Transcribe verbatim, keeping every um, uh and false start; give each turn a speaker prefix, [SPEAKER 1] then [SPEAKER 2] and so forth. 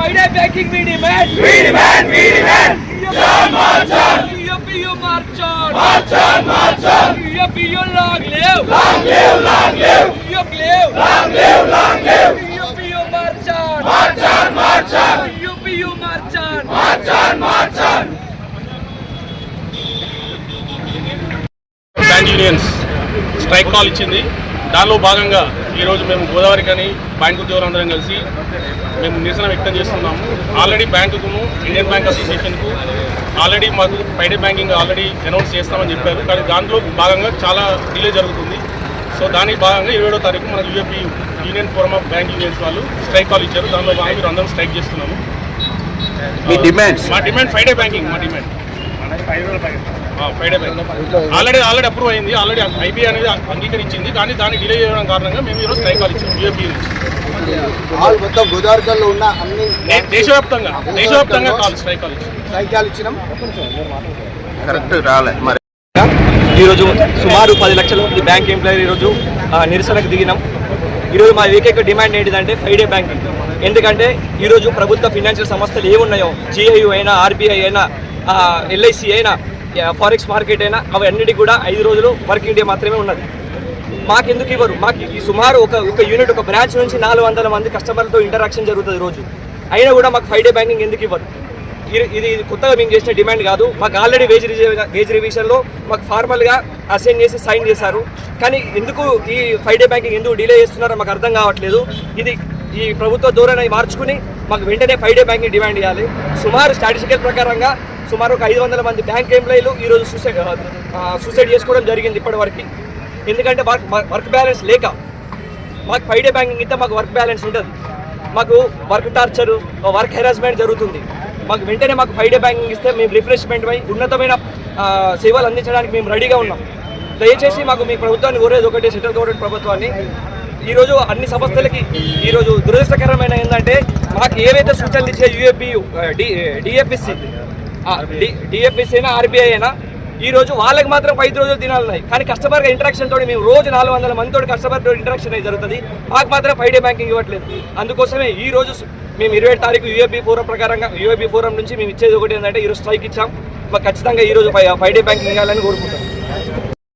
[SPEAKER 1] Friday banking we demand.
[SPEAKER 2] We demand, we demand. March on,
[SPEAKER 1] U P U march on.
[SPEAKER 2] march on, march on.
[SPEAKER 1] U P U long live.
[SPEAKER 2] Long live, long live.
[SPEAKER 1] U P U live.
[SPEAKER 2] Long live, long live.
[SPEAKER 1] U P U march on.
[SPEAKER 2] March on, march on.
[SPEAKER 1] U P U march on.
[SPEAKER 2] March on, march on.
[SPEAKER 3] Bank unions strike call ఇచ్చింది. దానిలో భాగంగా ఈరోజు మేము గోదావరి కానీ bank ఉద్యోగులందరం కలిసి మేము నిరసన వ్యక్తం చేస్తున్నాము. ఆల్రెడీ బ్యాంకును ఇండియన్ బ్యాంక్ అసోసియేషన్కు ఆల్రెడీ మాకు ఫ్రైడే బ్యాంకింగ్ ఆల్రెడీ అనౌన్స్ చేస్తామని చెప్పారు. కానీ దాంట్లో భాగంగా చాలా డిలే జరుగుతుంది. సో దానికి భాగంగా ఇరవై ఏడో తారీఖు మనకు UAP union forum of bank unions వాళ్ళు స్ట్రైక్ కాల్ ఇచ్చారు. దానిలో భాగంగా మీరు అందరం స్ట్రైక్ చేస్తున్నాము.
[SPEAKER 2] మీ డిమాండ్స్
[SPEAKER 3] మా డిమాండ్ ఫ్రైడే బ్యాంకింగ్ మా demand Friday bank already already approve అయింది. ఆల్రెడీ ఐబీఐ అనేది అంగీకరించింది. కానీ దాన్ని డిలే చేయడం కారణంగా మేము ఈరోజు స్ట్రైక్ కాల్ ఇచ్చాము. యూఏపీ నుంచి
[SPEAKER 4] మొత్తం గోదావరిలో ఉన్న అన్ని
[SPEAKER 3] దేశవ్యాప్తంగా దేశవ్యాప్తంగా కాల్ స్ట్రైక్ కాల్ ఇచ్చాము.
[SPEAKER 4] సైక్యాలు ఇచ్చినాం.
[SPEAKER 2] కరెక్ట్ రాలే మరి.
[SPEAKER 5] ఈరోజు సుమారు పది లక్షల మంది బ్యాంక్ ఎంప్లాయీ ఈరోజు నిరసనకు దిగినాం. ఈరోజు మా ఏకైక డిమాండ్ ఏంటిదంటే ఫ్రైడే బ్యాంకింగ్. ఎందుకంటే ఈరోజు ప్రభుత్వ ఫినాన్షియల్ సంస్థలు ఏమున్నాయో జిఐయు అయినా ఆర్బీఐ అయినా ఎల్ఐసి అయినా ఫారెక్స్ మార్కెట్ అయినా అవన్నిటికీ కూడా ఐదు రోజులు వర్కింగ్ డే మాత్రమే ఉన్నది. మాకెందుకు ఇవ్వరు? మాకు ఈ సుమారు ఒక ఒక యూనిట్ ఒక బ్రాంచ్ నుంచి నాలుగు వందల మంది కస్టమర్లతో ఇంటరాక్షన్ జరుగుతుంది రోజు. అయినా కూడా మాకు ఫ్రైడే బ్యాంకింగ్ ఎందుకు ఇవ్వరు? ఇది కొత్తగా మేము చేసిన డిమాండ్ కాదు. మాకు ఆల్రెడీ వేజ్ వేజ్ రివిజన్లో మాకు ఫార్మల్గా అసైన్ చేసి సైన్ చేశారు. కానీ ఎందుకు ఈ ఫ్రైడే బ్యాంకింగ్ ఎందుకు డిలే చేస్తున్నారో మాకు అర్థం కావట్లేదు. ఇది ఈ ప్రభుత్వ ధోరణి మార్చుకుని మాకు వెంటనే ఫ్రైడే బ్యాంకింగ్ డిమాండ్ చేయాలి. సుమారు స్టాటిస్టికల్ ప్రకారంగా సుమారు ఒక ఐదు వందల మంది బ్యాంక్ ఎంప్లాయీలు ఈరోజు సూసైడ్ సూసైడ్ చేసుకోవడం జరిగింది ఇప్పటివరకు. ఎందుకంటే వర్క్ వర్క్ బ్యాలెన్స్ లేక. మాకు ఫ్రైడే బ్యాంకింగ్ ఇస్తే మాకు వర్క్ బ్యాలెన్స్ ఉంటుంది. మాకు వర్క్ టార్చరు వర్క్ హెరాస్మెంట్ జరుగుతుంది. మాకు వెంటనే మాకు ఫ్రైడే బ్యాంకింగ్ ఇస్తే మేము రిఫ్రెష్మెంట్ పై ఉన్నతమైన సేవలు అందించడానికి మేము రెడీగా ఉన్నాం. దయచేసి మాకు మీ ప్రభుత్వాన్ని కోరేది ఒకటి, సెంట్రల్ గవర్నమెంట్ ప్రభుత్వాన్ని. ఈరోజు అన్ని సంస్థలకి ఈరోజు దురదృష్టకరమైన ఏంటంటే మాకు ఏవైతే సూచనలు ఇచ్చే UAP D DFSC D DFSC అయినా ఆర్బీఐ అయినా ఈరోజు వాళ్ళకి మాత్రం ఐదు రోజులు దినాలు ఉన్నాయి. కానీ కస్టమర్గా ఇంటరాక్షన్ తోటి మేము రోజు నాలుగు వందల మందితో కస్టమర్తో ఇంటరాక్షన్ అయితే జరుగుతుంది. మాకు మాత్రం ఫ్రైడే బ్యాంకింగ్ ఇవ్వట్లేదు. అందుకోసమే ఈ రోజు మేము ఇరవై ఏడు తారీఖు యూఏపీ ఫోరం ప్రకారంగా యూఏపీ ఫోరం నుంచి మేము ఇచ్చేది ఒకటి ఏంటంటే ఈరోజు స్ట్రైక్ ఇచ్చాం. మాకు ఖచ్చితంగా ఈరోజు ఫ్రైడే బ్యాంకింగ్ ఇవ్వాలని కోరుకుంటాం.